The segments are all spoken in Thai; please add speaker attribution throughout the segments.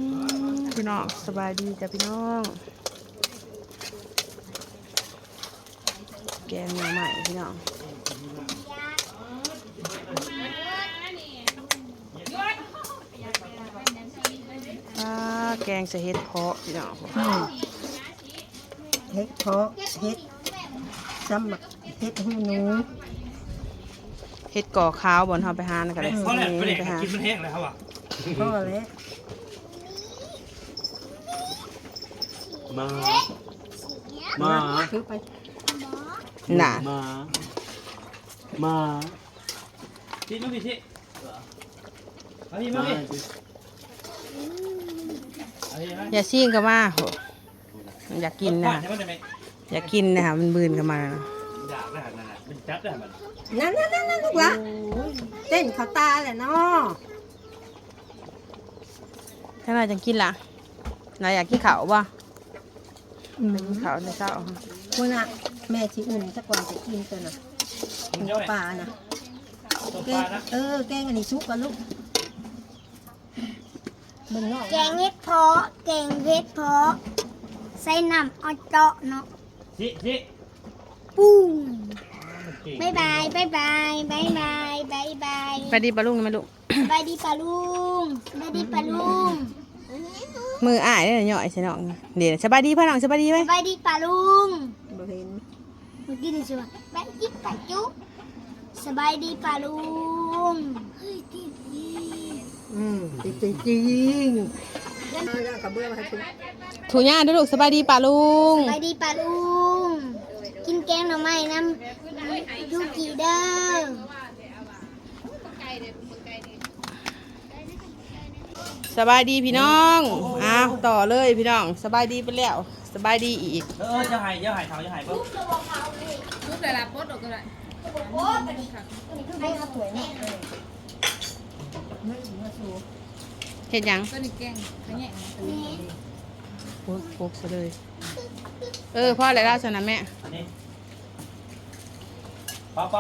Speaker 1: พี่น้องสบายดีจ้ะพี่น้องแกงหน่อไม้พี่น้องแกงใส่เห็ดเพาะพี่น้อง
Speaker 2: เห็ดเพาะเห็ดซ้ำเห็ดหูหนู
Speaker 1: เห็ดก่อขาวบนเฮาไปหานะกันเลย
Speaker 3: เพราะอะไรไม่ได้กินมันแห้งแล้วอ่ะ
Speaker 2: พ่อแล้ว
Speaker 3: มา
Speaker 2: ถือไป
Speaker 1: น่ะ
Speaker 3: มาพี่มาพี่พี่มาพี่
Speaker 1: อย่าซีนกันมาอยากกินนะอยากกินนะคะมันบืนกันมา
Speaker 3: อยากได้นั่นน่ะมันจับได้มัน
Speaker 2: นั่นลูกละเต้นเขาตาแหละเนาะ
Speaker 1: ถ้าเราจะกินล่ะนายอยากกินข้าวป่ะข้าวในเช้า
Speaker 2: คุณน่ะแม่ที่อุ่นสักวันจะกินตัวน่ะปลาน่ะแกงอันนี้ซุปกันลูก
Speaker 4: แกงเห็ดเพาะแกงเห็ดเพาะใส่น้ำเอาเจาะเนาะปุ้งบายบายบายบายบายบายบายบาย
Speaker 1: ไปดีปลาลุงไหมลูก
Speaker 4: บายดีปลาลุงบายดีปลาลุง
Speaker 1: มืออ้ายเนี่ยย่อยใช่น้องเดี๋ยวสบายดีพ่อน้องสบายดีไหม
Speaker 4: บายดีปลาลุง
Speaker 2: บ่เห็น
Speaker 4: เมื่อกี้นี่สิว่าบายดีปลาจุ๊สบายดีปลาลุงเฮ้ยจริง
Speaker 2: จริงกับเบื้องให้คุณ
Speaker 1: ถูย่าด้วยลูกสบายดีป่าลุง
Speaker 4: สบายดีปลาลุงกินแกงหน่อไม้น้ำยูกิเด้อ
Speaker 1: สบายดีพี่น้องอ้าวต่อเลยพี่น้องสบายดีไปแล้วสบายดีอีก
Speaker 3: จะหายเขาจะหายปุ๊บ
Speaker 1: ทุกแต่ละปดออกก็ได้
Speaker 2: ให้เขาสวยเนี่ย
Speaker 1: เห็นยัง
Speaker 4: ก็นี่แกงขยะ
Speaker 1: โคกซะเลยพ่ออะไรเล่าชนะแม่
Speaker 3: เป่า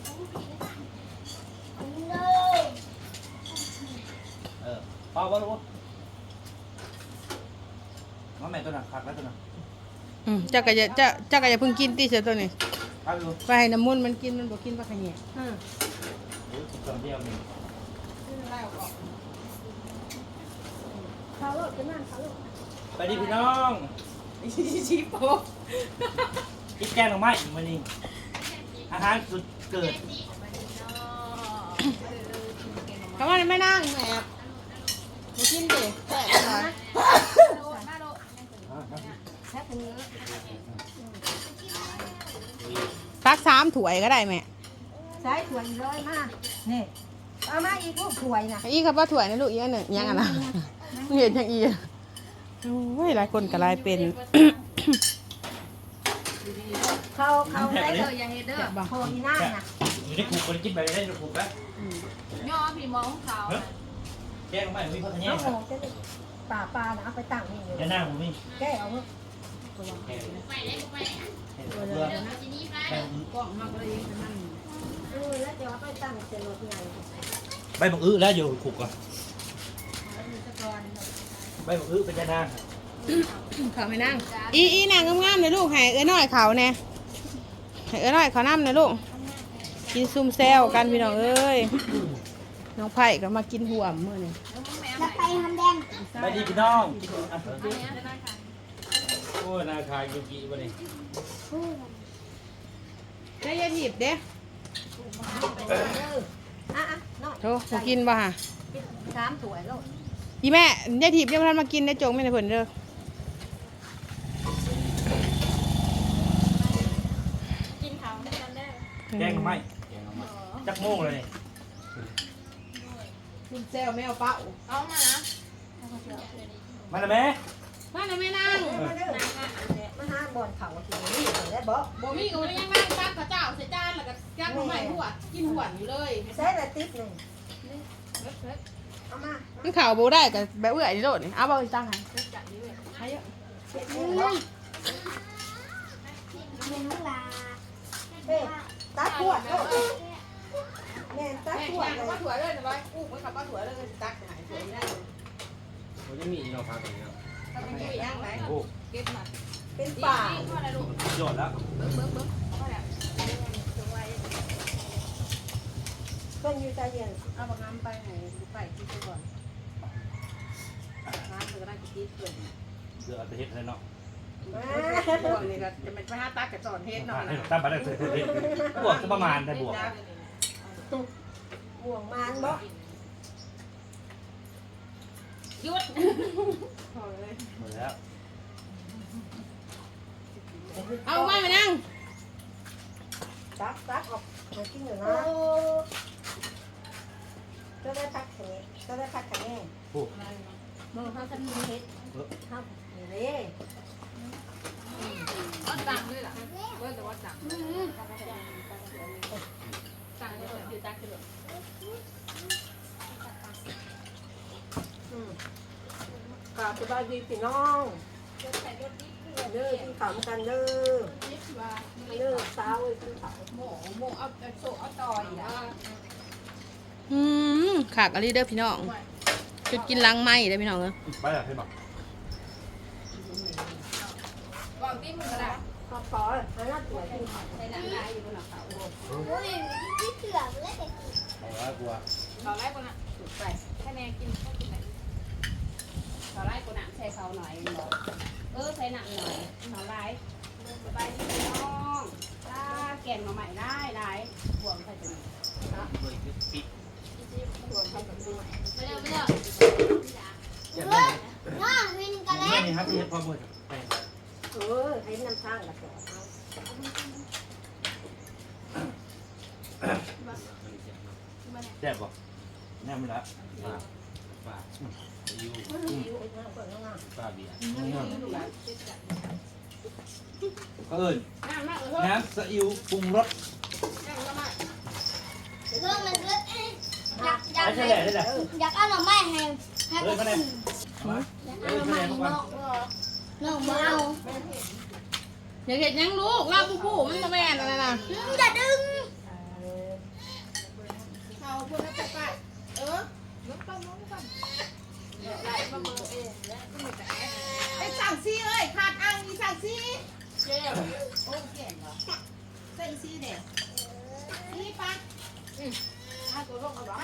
Speaker 3: เป่าลูกน้องแม่ตัวหนักคักแล้วตัวหนัก
Speaker 1: จักรยาเพิ่งกินตีเสียตัวนี้ไปให้น้ำมันมันกินมันบอกกินปลาขยะ
Speaker 3: ไปดิพี่น้อง
Speaker 1: ชีโป๊
Speaker 3: กินแกงหน่อไม้มันนี่อาหารสุดเกิด
Speaker 1: คำว่าไม่นั่งแหมมากินดิแซ่บเลยซัก3 ถ้วยก็ได้แม่
Speaker 2: ใช้ถ้วยร้อยมากนี่เอามาอีกลูกถ้วยนะ
Speaker 1: อีครับว่าถ้วยนะลูกอีกอันหนึ่งยังอ่ะนะเห็นยังอีโอ้ยหลายคนก็หลายเป็น
Speaker 2: เขาได้เลยอย่างเด้อโคอีน่าน่ะ
Speaker 3: อยู่ในกลุ่มคนกินไปได้ในกลุ่มแล้ว
Speaker 1: ย่อพี่มองเขา
Speaker 3: แกงไม่มีข้าวแห้ง
Speaker 2: ปลานะเอาไปตั้งนี่อยู่
Speaker 3: จะนั่งผมนี่
Speaker 2: แกเอาแล้วจะเอาไปตั้งเสร็จรถไง
Speaker 3: ใบบักอื้อแล้วอยู่ขุกก่อนใบบักอื้อเป็นจะนั่ง
Speaker 1: เขาไม่นั่งอีนางงามๆเลยลูกให้น้อยเขาเนี่ยให้น้อยเขาน้ำเลยลูกกินซุ่มแซวกันพี่น้องเอ้ยน้องไผ่ก็มากินหัวมื้อนี่
Speaker 4: จะไปทำแดง
Speaker 3: ไปดีพี่น้องโอ้นาคายยูกิวันนี้
Speaker 1: ได้ยาถีบเด้โธ่มากินบ่ฮะ
Speaker 2: 3 ถ้วยแล้ว
Speaker 1: อีแม่ยาถีบยังทันมากินได้จงไม่ได้ผลเด้อ
Speaker 4: กินเขาได้กันได้
Speaker 3: แกงไม่จักโม่งเลย
Speaker 1: ซุ่มแซวแมวเป้า
Speaker 4: เอามานะ
Speaker 3: มาแล้วแม่
Speaker 1: มาแล้วแม่นั่ง
Speaker 2: มาหาบ่อนเขาทีนี้ได้บ่
Speaker 1: มีก็ยังนั่งซักข้าวเจ้าใส่จานแล้วก็ยัดลงไปหัวกินหัวอยู่เลย
Speaker 2: ใส่ละติ๊บนึงเอามา
Speaker 1: มันข่าวโบได้กับแบบเอื่อยนี่โลดนี่เอาบ่ตั้งให้ให้เยอะ
Speaker 2: ตัดขวดแม่ตัดขวดเลย
Speaker 1: ป้าถั่วเลยนะบอยอู้มันขับป้าถั่วเลยตักไหนสวยได้
Speaker 3: มันจะมีเราพากันเนาะ
Speaker 1: โอ้
Speaker 2: เป็นป่า
Speaker 3: โยนแล้ว
Speaker 2: เพิ่นอยู่ใจเย็น
Speaker 1: เอาบางน้ำไปไหนไปที่ก่อนน้ำมันก็ได้กินเกิน
Speaker 3: เดี๋ยวเอาไปเฮ็ดให้เนาะ
Speaker 1: บวกนี่ก็จะเป็นไปหาตักกับจอนเฮ็ดหน่อย
Speaker 3: ให้ตั้งไปได้บวกจะประมาณได้บวก
Speaker 2: ห่วงมานบ่
Speaker 1: หยุด
Speaker 3: หมดแล้ว
Speaker 1: เอาไม่มานั่ง
Speaker 2: ตักออกมากินหน่อยนะก็ได้พักแค่นี้ก็ได้พักแค่นี้
Speaker 3: ผู้
Speaker 2: มึงเขาจะมีเฮ็ดเขานี่เลย
Speaker 1: วัดตังด้วยล่ะว่าแต่วัดตังตังเลยอยู่ตังคือ
Speaker 2: กราบสบายดีพี่น้องเด้อกินข้าวกันเด้อสาวเอ้ยกินข้าว
Speaker 1: โมเอาโซเอาต่อยอ่ะขากอะไรเด้อพี่น้องจุดกินล้างไม้เด้อพี่น้องเอ้ย
Speaker 3: ไปอ่ะให้บอก
Speaker 1: ก่อนที่มึงก็ได้
Speaker 2: ขออันนั้นตัวกินข้าว
Speaker 1: ใส่หนังได้อยู่บนหลังเขา
Speaker 4: โอ้ยที่เถื่อนเลย
Speaker 3: เอาละกลัว
Speaker 1: เราไล่คนน่ะถูกไปแค่แนนกินข้าวกินไหนเราไล่คนน่ะใส่เขาหน่อยใส่หนังหน่อยเราไล่สบายดีน้องถ้าแกงมาใหม่ได้ห่วงใครจะมีห่วงใครจะมีไม่เร็ว
Speaker 4: น้องวินกันแล้ว
Speaker 3: ไม่นี่ครับที่เฮ็ดพอมือไป
Speaker 2: ให้น้ำข้างละเอา
Speaker 3: แซ่บบ่แน่มันละป้ายูป้าเบียร์ก็เอิญน้ำซีอิ๊วปรุงรส
Speaker 4: เรื่องมันเลือดอยาก
Speaker 3: ไม่ใช่แหละได้แหละ
Speaker 4: อยากเอาหน่อไม้ให้ก็กิน
Speaker 3: มา
Speaker 4: อยากเอาหน่อไม้ให้น้องมาเอา
Speaker 1: อย่าเห็นยังลูกลาบูบูมันมาแม่นอะไรนะ
Speaker 4: อย่าดึง
Speaker 1: เขาพูดให้ไปยกต้องไล่มาเบอร์และก็มีแต่ไอ้สั่งซีเอ้ยขาดอังมีสั่งซีเจ๊โอ้เก่งเหรอใส่ซีเด็กนี่ปะตัวลงเอาหรอ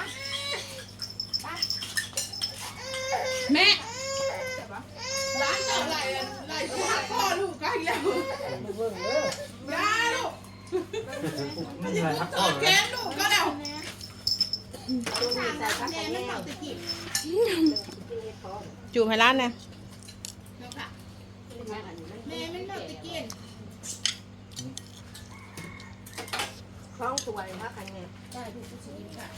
Speaker 1: แม่ร้านจะไล่พ่อลูกกันแล้วยาลูก
Speaker 3: นี่อะไรครับพ่อ
Speaker 1: แกนลูกก็แล้ว จูบให้ร้านเนี่ยแม่ไม่เลิกตะเกียน
Speaker 2: คล้องสวยมากกันไง
Speaker 1: ได้ทุกสิ่งค่ะ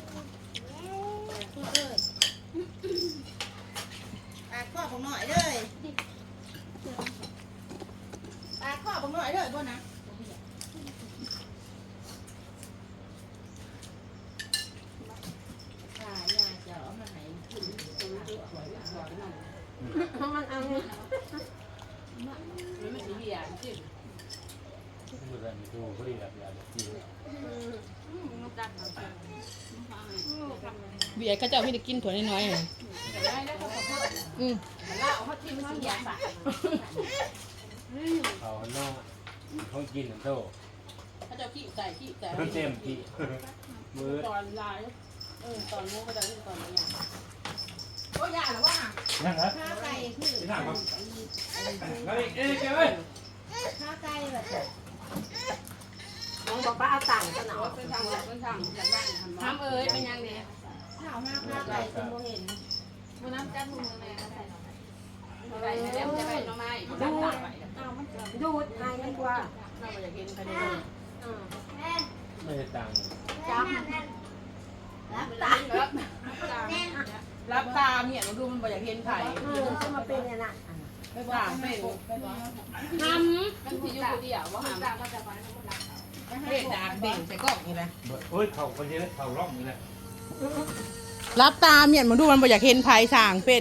Speaker 1: ปากข้อผมหน่อยเลยปากข้อผมหน่อยเลยบ่นะ
Speaker 2: มันเอา
Speaker 1: ไม่มีเบียร์จริง
Speaker 3: ดูแลดูพอดีแบบอย่างนี้
Speaker 1: เบียร์ก็จะไม่ได้กินถั่วน้อยๆเลยเล่าเขาทิ้งเขาเบียร์ใส่
Speaker 3: เขาโน่เขากินโต
Speaker 1: เขาจะขี้ใส่ขี้ใส่
Speaker 3: เต็มที่มือ
Speaker 1: ตอนลายตอนนู้นก็จะตอนนี้ก็ยาหรือว่า
Speaker 3: นั่งเหรอ
Speaker 1: ข้าวไก่คือ
Speaker 3: ที่นั่งครับมาดิเอ้ยเอ้ย
Speaker 1: ข้าวไก่แบบ
Speaker 2: น้องบอกว่าเอาต่างกันหน่อย
Speaker 1: เป็นทางจากบ้านทำเอ้ยเป็นยังไงข้าวห้าข้าวไก่คุณโมเห็นวันนั้นจัดมือแม่ใส่หน่อไม้ใส่แล้วจะไปหน่อไม้จัดตากไว้
Speaker 2: ดูดให้มันกว่า
Speaker 1: เราอยากกินกันเลย
Speaker 3: ไม่ได้ตังค์
Speaker 2: จับ
Speaker 1: รับตาเมียมันดูมันบ่อยากเห็นไข่
Speaker 2: จะมาเป็นเนี่ยนะ
Speaker 1: ไม่ว่าเป็นทำมันคืออยู่คนเดียวว่าหาเฮ็ดดาบเบ่งใส่กล้องนี่แหละ
Speaker 3: โอ้ยเขาคนนี้เขาร่องนี่แหละ
Speaker 1: รับตาเมียมันดูมันบ่อยากเห็นไผ่สางเป็น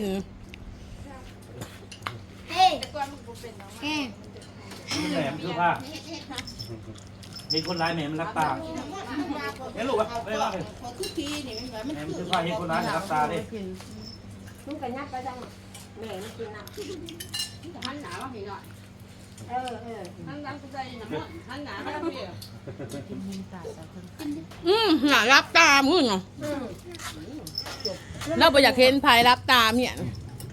Speaker 4: เฮ้ยเฮ้
Speaker 3: แหมคือว่ามีคนร้ายแหมมันรับตาเฮ้ยลูกวะไม่รับเลย
Speaker 1: ทุกทีนี่มัน
Speaker 3: แหมมันคือว่าเห็นคนร้ายรับตาดิ
Speaker 2: มึงกันยัดไปจังกินนะ
Speaker 1: หันหนามาพี่หน่อย
Speaker 2: เออ
Speaker 1: หันหลังกูใจน้ำมันหันหนามาพี่หนารับตามมึงเหรอเราไปอยากเห็นภายรับตามเนี่ย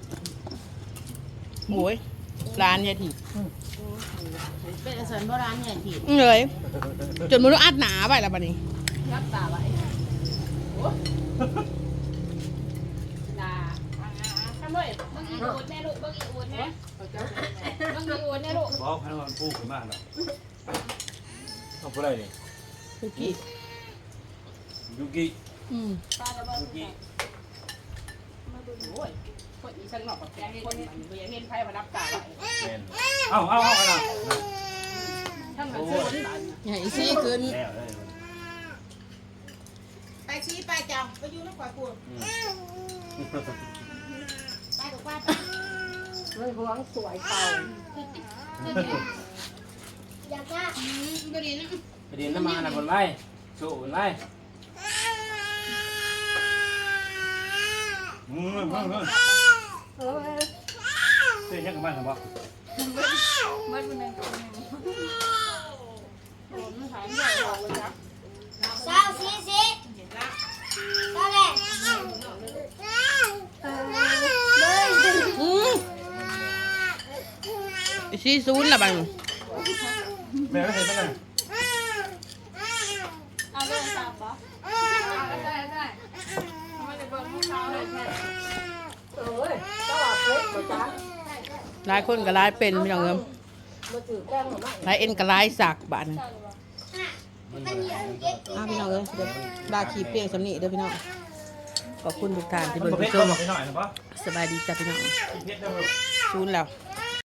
Speaker 1: โอ้ยร้านยายถีบ
Speaker 5: เป็นอาสนโบราณใหญ่ผิด
Speaker 1: เลยจนมันต้องอัดหนาไปแล้วบัดนี้
Speaker 5: รับตาไว้นาทำด้วยบางอีอูดแน่ลูกบางอีอูดนะบางอีอูดแน่ลูก
Speaker 3: บอกให้มันพูดขึ้นมากหรอกเอาไปเลย
Speaker 1: คุกกี้
Speaker 3: ยูกิ
Speaker 5: ปลาระเบิด
Speaker 3: ยูกิ
Speaker 5: โอ้ยคนอีสังหนอกกับแกคนมันเบียเห็นไพ่มารับตาไว้
Speaker 3: แมนเอาอะไร
Speaker 5: ทั้งนั้นซื้อคนบ้าน
Speaker 1: ใหญ่ซี่ขึ้น
Speaker 3: แล้วเลย
Speaker 5: ไปชี้ไปจังไปอยู่นักกว่ากูไปกับป้า
Speaker 2: มันหวงสวยเก่า
Speaker 4: อยากจะ
Speaker 5: ก็ดีนะ
Speaker 6: ไปดินน้ำมันนะคนไล่สู้คนไล่
Speaker 2: เออ
Speaker 3: เต้นยังกันบ้างครับ
Speaker 5: มันเป็นอะไรผมถามใหญ่บอกเลยครับ
Speaker 4: สาวซีซีก็แหละ
Speaker 1: ซี่ซูนละบัดนี้
Speaker 3: แม่ไม่เห็นไหมเลย
Speaker 5: เอาเรื่องตามปะได้ไม่ได้บอกให้เขาเลยแค่
Speaker 2: เอ้ยก็ว่าเล็กกว่าจ้า
Speaker 1: หลายคนก็หลายเป็นพี่น้องเอิม
Speaker 2: มาถือแก้มหรือไม่
Speaker 1: หลายเอ็นก็หลายสักบัดนี้
Speaker 4: มันเหนียวเย็ด
Speaker 1: พี่น้องเอ้ยเดี๋ยวดาขีเปียงสำนีเด้อพี่น้องขอบคุณทุกท่านที่
Speaker 3: มัน
Speaker 1: เบิ่ง
Speaker 3: ประเภท
Speaker 1: ช
Speaker 3: เรา
Speaker 1: ม
Speaker 3: บอกไปหน่อยนะปะ
Speaker 1: สบายดีจ้ะพี่น้อง
Speaker 3: เพชรได้ไหม
Speaker 1: ซูนแล้ว
Speaker 3: เ